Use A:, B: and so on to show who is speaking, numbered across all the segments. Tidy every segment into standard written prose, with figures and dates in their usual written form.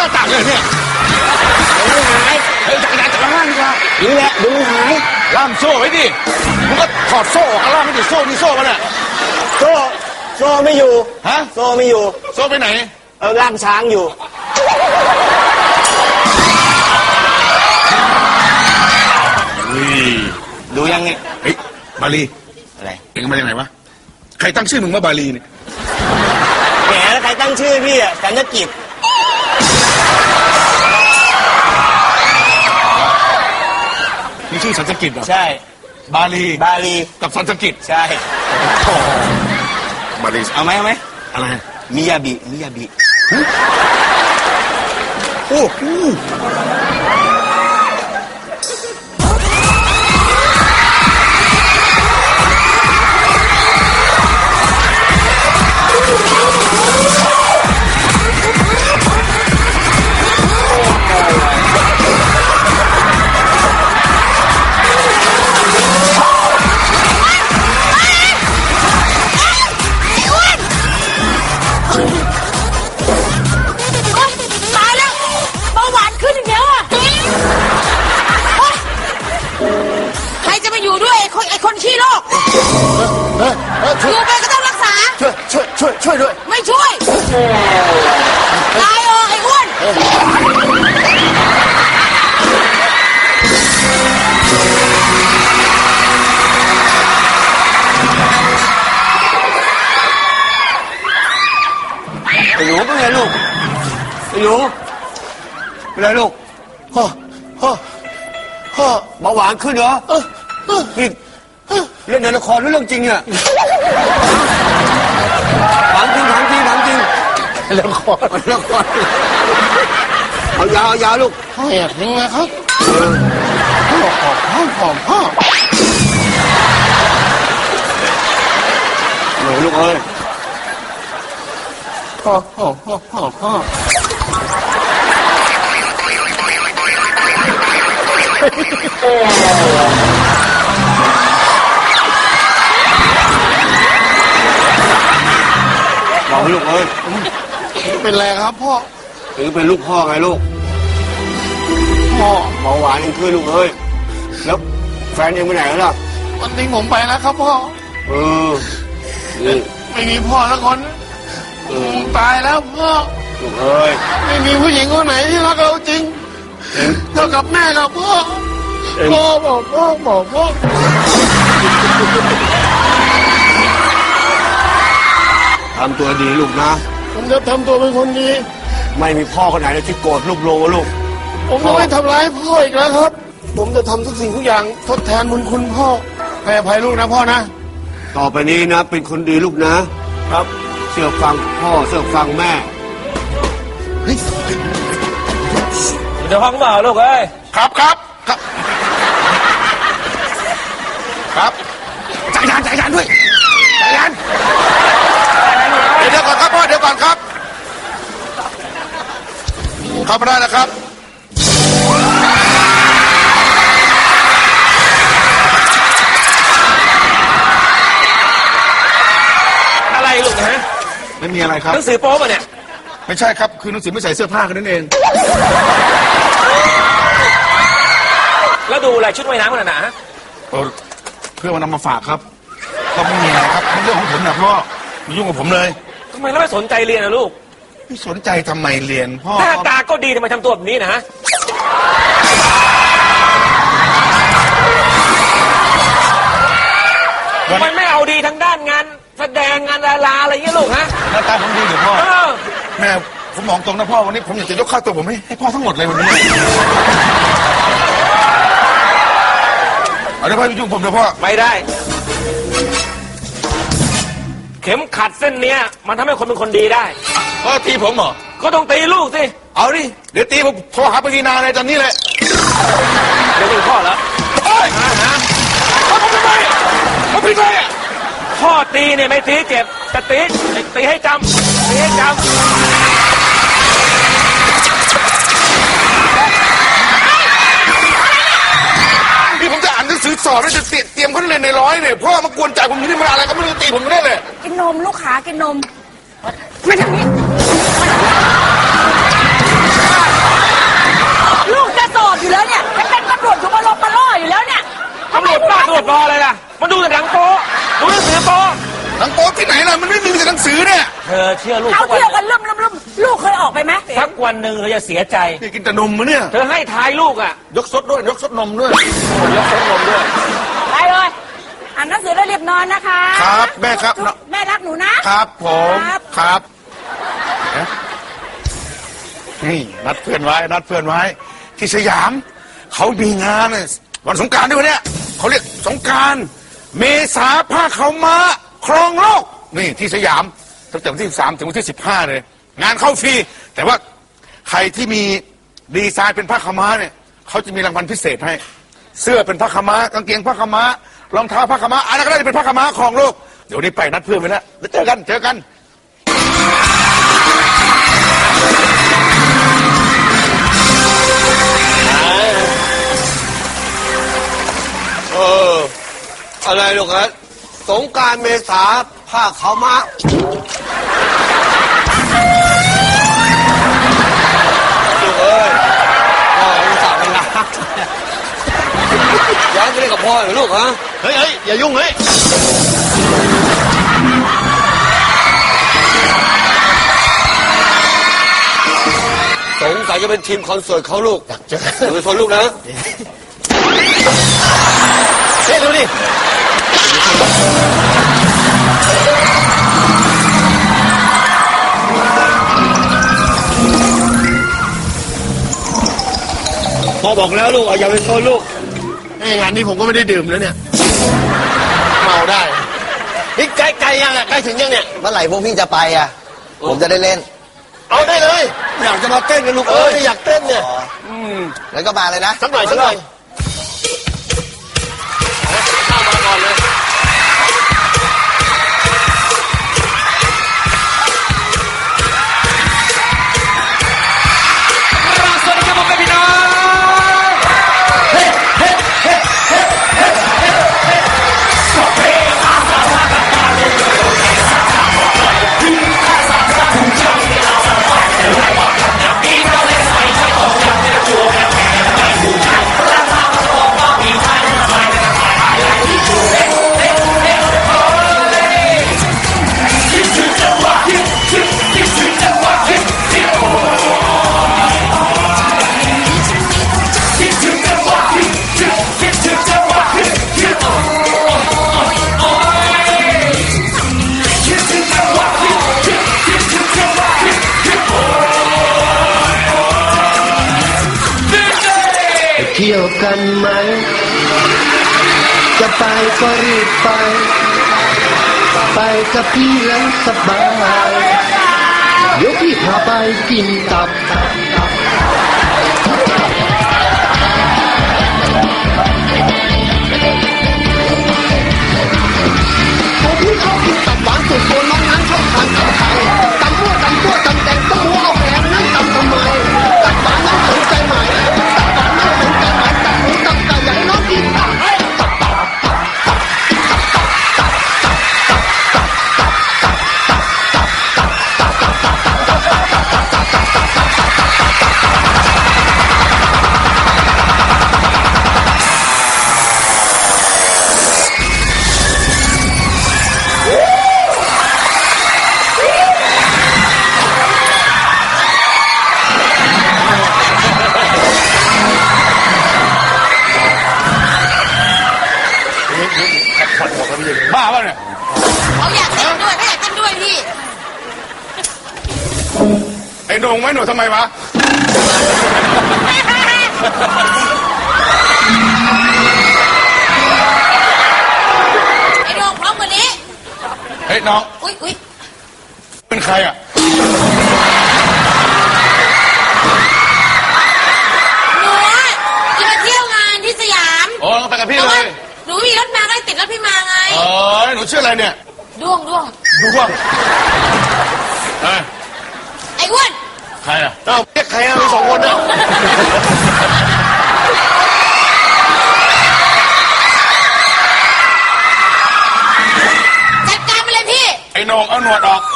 A: าต่างเลยเนี่ย
B: มันหาย
A: เฮ้ยจักรยานจักรยานดีกว่า
B: นี่แหละดูมันหาย
A: ล่ามโซ่ไว้ดิมึงก็ถอดโซ่ออกล่ามไม่ดิโซ่นี่โซ่มันอะ
B: โซ่ไม่อยู่
A: ฮะ
B: โซ่ไม่อยู่
A: โซ่ไปไหน
B: ล่ามช้างอยู่ดูยังไง
A: เฮ้ยบาลี
B: อะไร
A: เอ็งมาจากไหนวะใครตั้งชื่อมึงว่าบาลีเนี่ย
B: แหมแล้วใครตั้งชื่อพี่อ่ะสัญญกิจ
A: นี่ชื่อสัญญกิจเหรอ
B: ใช่
A: บาลีกับสัญญกิจ
B: ใช่
A: บาลี
B: เอาไหม
A: อะไร
B: มิยาบิ
A: โอ้โห
C: อยู่ไปก็ต้องรักษา
A: ช่วยด้วย
C: ไม่ช่วยตายไอ้อ้วน
B: ไอ้หนูเป็นไงลูกไอ้หนูเป็นไรลูกพ่อเบาหวานขึ้นเหรอพี่เล่นในละครหรือเรื่องจริงเนี่ยถามจริงละครเอายาลูก
A: พ่ออยากยังไงครับพ่อ
B: หนูลูกเอ้ย
A: พ่อ
B: บอกลูกเอ้ย
A: เป็นไรครับพ่อ
B: ถึงเป็นลูกพ่อไงลูกพ่อเบาหวานยังขึ้นลูกเอ้ยแล้วแฟนยังไปไหนแล้วล่ะ
A: วันนี้ผมไปแล้วครับพ่อไม่มีพ่อแล้วคนตายแล้วพ่อ
B: ลูกเอ้ย
A: ไม่มีผู้หญิงคนไหนที่รักเราจริงเท่ากับแม่กับพ่อบอก
B: ทำตัวดีลูกนะ
A: ผมจะทำตัวเป็นคนดี
B: ไม่มีพ่อคนไหนเลยที่โกรธลูกลูก
A: ผมจะไม่ทำร้ายพ่ออีกแล้วครับผมจะทำทุกสิ่งทุกอย่างทดแทนบุญคุณพ่อให้อภัยลูกนะพ่อนะ
B: ต่อไปนี้นะเป็นคนดีลูกนะครับเชื่อฟังพ่อเชื่อฟังแม่
D: เดี๋ยวห้องเปล่าลูกเอ้ย
A: ครับจักรยานด้วยจักรยานเดี๋ยวก่อนครับพ่อเดี๋ยวก่อนครับเข้ามาได้นะครับ
D: อะไรลูกฮะ
A: ไม่มีอะไรครับ
D: หนังสือโป๊ป่ะเนี่ย
A: ไม่ใช่ครับคือหนังสือไม่ใส่เสื้อผ้ากันนั่นเอง
D: แล้วดูอะไรชุดว่ายน้ำกันนะฮะ
A: เพื่อมานำมาฝากครับก็ไม่มีอะไรครับเป็นเรื่องของผมนะพ่อไม่ยุ่งกับผมเลย
D: ทำไมเราไม่สนใจเรียนนะลูก
A: ไม่สนใจทำไมเรียนพ่อ
D: หน้าตาก็ดีทำไมทำตัวแบบนี้นะทำไมไม่เอาดีทางด้านงานแสดงงานดาราอะไรเงี้ยลูกฮะ
A: หน้าตาผมดีหรือพ่อแม่ผมมองตรงนะพ่อวันนี้ผมอยากจะยกค่าตัวผมให้พ่อทั้งหมดเลยวันนี้เอาได้พ่อยุ่งผมนะพ่อ
D: ไม่ได้เข็มขัดเส้นเนี้ยมันทำให้คนเป็นคนดีได้
A: พ่อตีผมเหรอ
D: ก็ต้องตีลูกสิ
A: เอาดิเดี๋ยวตีผมโทรหาปวีณาเลยตอนนี้เลย
D: เดี๋ยวเป็นพ่อแล้ว
A: ผมทำไมผมผิดเลย
D: พ่อตีเนี่ยไม่ตีเจ็บแต่ตีให้จำ
A: นี่ผมจะอ่านหนังสือสอบแล้วจะเตรียมเขาเรียนในร้อยเนี่ยพ่อมากวนใจผมอยู่นี่มันอะไรก็ไม่รู้ตีผมไม่ได้เลย
C: กินนมลูกขากินนมไม่ทำนี้
D: ดูปออะไรล่ะมันดูแต่หนังโป๊ดูหนังสือโป๊
A: หนังโป๊ที่ไหนล่ะมันไม่มีแต่หนังสือเนี่ย
D: เธอเชื่อลูก
C: เขา
D: สักวัน
C: เที่ยวกันล่มลูกเคยออกไปไหม
D: สักวันหนึ่งเธอจะเสียใจ
A: นี่กินแต่นมมะเนี่ย
D: เธอให้ทายลูกอ่ะ
A: ยกซดด้วยยกซดนมด้วย
D: ยกเส้นนมด้วย
C: ไปเลยอ่านหนังสือแล้วรีบนอนนะคะ
A: ครับแม่ครับ
C: แม่รักหนูนะครับ
A: ผมครับนี่นัดเพื่อนไว้นัดเพื่อนไว้ ที่สยามเขามีงานน่ะวันสงกรานต์ด้วยวะเนี่ยเขาเรียกสงกรานต์เมษาผ้าขาวม้าครองโลกนี่ที่สยามตั้งแต่วันที่13ถึงวันที่15เลยงานเข้าฟรีแต่ว่าใครที่มีดีไซน์เป็นผ้าขาวม้าเนี่ยเขาจะมีรางวัลพิเศษให้ เสื้อเป็นผ้าขาวม้ากางเกงผ้าขาวม้ารองเท้าผ้าขาวม้าอะไรก็ได้เป็นผ้าขาวม้าครองโลกเดี๋ยวนี้ไปนัดเพื่อนไปแล้วเจอกัน
B: อะไรลูกครับสงกรานต์เมษาผ้าขาวม้าลูกเอ้ยพ่ออุตส่าห์เป็นรักย้อนไปเล่นกับพ่อเหรอลูกฮะเฮ้ยอย่ายุ่งเฮ้ยสงสัยจะเป็นทีมคอนเสิร์ตเขาลูกอยากเจอดูชนลูกนะเฮ้ยดูดิพ่อบอกแล้วลูกอย่าไปชนลูกงานนี้ผมก็ไม่ได้ดื่มแล้วเนี่ยเมาได้นี่ใกล้ยังอ่ะใกล้ถึงยังเนี่ย
E: เมื่อไหร่พวกพี่จะไปอ่ะ ผมจะได้เล่น
B: เอาได้เลยอยากจะมาเต้นกันลูกอยากเต้นเนี่ย
E: แล้วก็มาเลยนะ
B: สักหน่อยเข้ามาก่อนเลย
D: สวัสดีครับผมเป็นพี่น้อง
F: เที่ยวกันไหม จะไปก็รีบไป ไปกับพี่แล้วสบาย เดี๋ยวพี่พาไปกินตับพี่ชอบกินตับหวานสุดโคนน้องนั้นชอบทานตับไทยตำมั่วตำตัวตำแตงต้องหัวเอาแหงนั้นตำทำไมตับหวานนั้นสนใจไหมตับหวานนั้นสนใจไหมตับหมูตับไก่ใหญ่น้องกินตับ
A: บ้าป่ะเนี่ย
C: เขาอยากเต้นด้วยเขาอยากเต้นด้วยพี่
A: ไอ้โหน่งไหมหนูทำไมวะ
C: ไอ้โดงพร้อมกว่านี้
A: เฮ้ยน้อง
C: อุ๊ย
A: เป็นใครอ่ะ
C: หนูอะจะมาเที่ยวงานที่สยาม
A: โอ้ไปกับพี่
C: แต่
A: เล
C: ว่าย หนูมีรถมาก็เลยติดรถพี่มาไง
A: หนูชื่ออะไรเนี่ย
C: ด้วง
A: ดูว่าเอ้ย
C: ไอ้อ้วน
A: ใครอ่ะ
B: เอ้าเรียกใครมีสองคนนะ
C: จัดการไปเลยพี่
A: ไอ้โหน่งเอาหนวดออก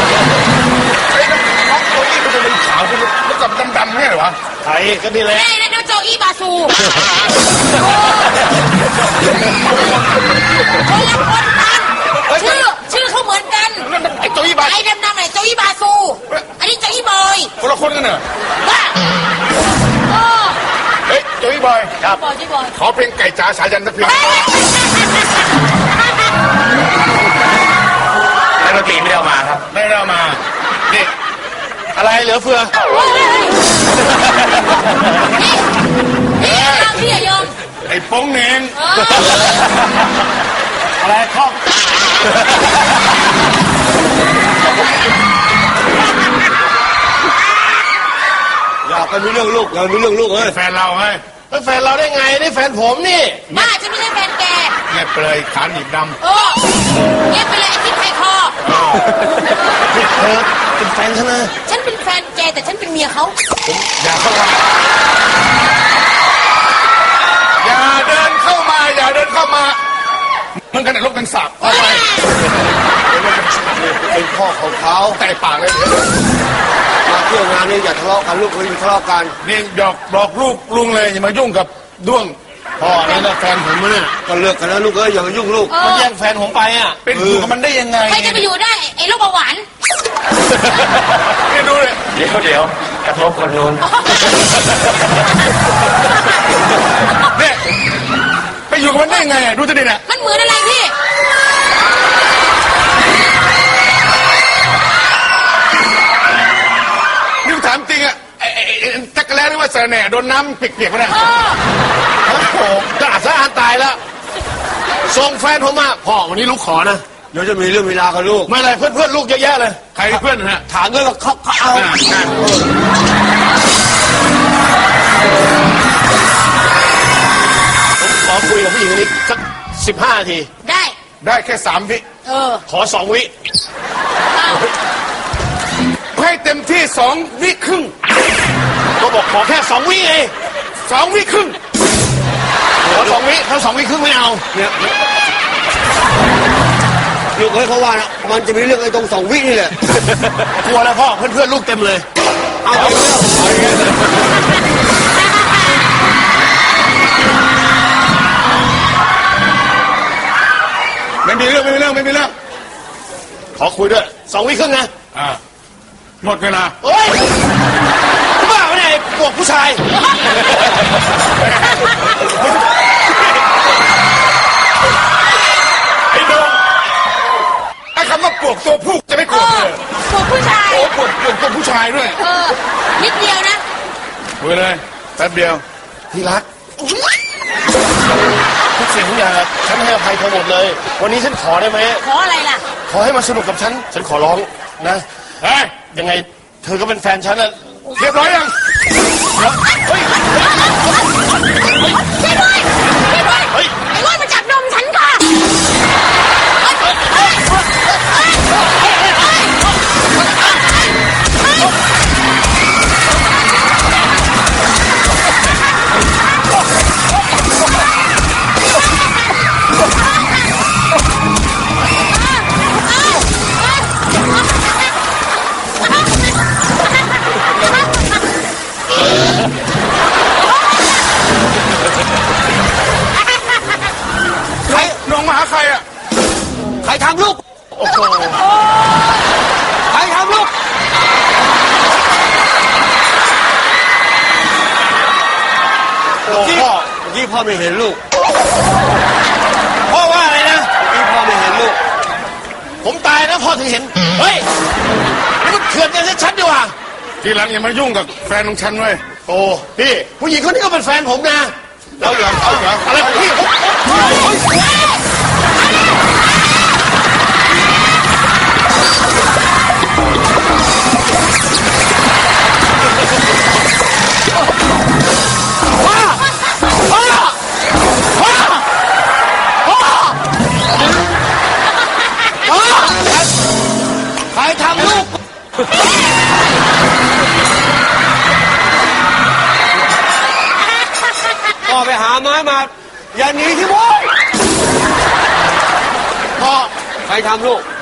A: ไอ้น้องตัวนี้มันจะเป็นขาวขึ้นแล้วกับดำๆเนี่ยเหรอวะ
B: ใครก็นี่แหละ
C: ไอ้นะโดนะโจอี้บาซูคนละคนกันชื่อเขาเหมือนกัน
A: นั่นมันไอ้โจอี้บา
C: ไอ้ดำๆไหนโจอี้บาซู อันนี้โจอี้บอย
A: คนละคนกันเหรอ
C: ว่าโอ้
A: เฮ้ยโจอี้บอยครับ
C: บอยโจอี้บอย
A: ขอเพลงไก่จ๋าสายันสักเพลงแล้วดนตรีไม่ได้เอามาครับไม่ได้เอามานี่อะไรเหลือเฟือ
C: นี่เราพี่อย่ายอม
A: ไอ้โป้งเน่ง
B: อะไรข้อ อย่าไปมีเรื่องลูกอย่ามีเรื่องลูกเอ้ย
A: แฟนเราไง
B: แล้วแฟนเราได้ไงนี่แฟนผมนี่
C: บ้าฉันไม่ใช่แฟนแก
A: เงียบไปเลยขาหนีบด
C: โอ้เงียบไปเลยไอ้ที่ไทยคอ
B: เธอเป็นแฟนฉันนะ
C: ฉันเป็นแฟนแกแต่ฉันเป็นเมียเขา
A: ำอย่าเข้ามาอย่าเดินเข้ามาอย่าเดินเข้ามามันกันแต่ลกกันสาบเอาไป
B: เป็นพ่อของเขา
A: แต่ปากเลย
B: มาเที่ยวงานนี่อย่าทะเลาะกันลูกเขาอย่าทะเลาะกัน
A: นี่หยอกบอกลูกลุงเลยอย่ามายุ่งกับด้วง
B: พ่อนี่นะแฟนผมเนี่ยก็เลิกกันแล้วลูกเอ้ยอย่ามายุ่งลูกมันแย่งแฟนผมไปอ่ะ
A: เป็นอยู่กับมันได้ยังไง
C: ใครจะไปอยู่ได้ไอ้โรคเบาหวาน
A: นี่ดูเลย
D: เดี๋ยวกระทบคนนู้น
A: เนี่ยไปอยู่กับมันได้ยังไงอะดูจะดิเนี่ย
C: มันเหมือนอะไรพี่
A: นี่ถามจริงอะไอ้จักรแล้หรือว่าเสน่ห์โดนน้ำเปียกๆมาเนี่ย
B: โอ้โหจะอาสาตายแล้วส่งแฟนผมมาพ่อวันนี้ลูกขอนะเดี๋ยวจะมีเรื่องเวลากับลูกไม่อะไรเพื่อนลูกเยอะแยะเลย
A: ใครเพื่อนนะ
B: ถามด้วยว่าเขาเอา ขอคุยกับผู้หญิงคนนี้สัก15 นาที
C: ได้
A: ได้แค่3 วิ
B: ขอ2 วิ
C: เอา
A: ให้เต็มที่2 วิครึ่ง
B: ก็บอกขอแค่2 วิเอง
A: 2 วิครึ่ง
B: ขอ2 วิถ้า2 วิครึ่งไม่เอาเนี่ยลูกเฮ้ยเขาว่านะมันจะมีเรื่องไอ้ตรง2 วินี่แหละกลัวแล้วพ่อเพื่อนลูกเต็มเลยเอาไปเรื่อง
A: ไม่มีเรื่อง
B: ขอคุยด้วย2 วิครึ่งนะ
A: หมดเวลา
B: โอ๊ยบ้าไม่ได้พวกผู้ชาย
A: ไอ้โดงไอ้คำว่าปวกตัวผู้จะไม่โกรธเลย
C: พวกผู้ชาย
A: โอ้ปวกตัวผู้ชายด้วย
C: นิดเดียวนะ
A: คุยเลยแป๊บเดียว
B: ที่รักทุกสิ่งทุกอย่างฉันให้อภัยเธอหมดเลย วันนี้ฉันขอได้ไหม
C: ขออะไรล่ะ
B: ขอให้มาสนุกกับฉันขอร้องนะ
A: เฮ้ย
B: ยังไงเธอก็เป็นแฟนฉันนะ
A: เรียบร้อยยัง
B: เฮ้ย
C: ช่วยด้วยช่วยด้วย
B: เฮ้ย
C: ไอ้ร้อยมาจับนมฉันค่ะ
A: ใครน้องมาหาใครอ่ะ
B: ใครทำลูก โอ้โหใครทำลูกโอ้พ่อเมื่อกี้พ่อไม่เห็นลูก พ่อว่าอะไรนะเมื่อกี้พ่อไม่เห็นลูก ผมตายนะพ่อถึงเห็น เฮ้ยนี่มันเถื่อนกันชัดๆดีว่ะ
A: ทีหลังอย่ามายุ่งกับแฟนของฉันเว้ย
B: โอ้พี่ผู้หญิงคนนี้ก็เป็นแฟนผมนะ
A: เอาเหรอ
B: อะไรของพี่ใครทำลูกพ่อไปหาไม้มา อย่าหนีที่พ่อพ่อใครทำลูก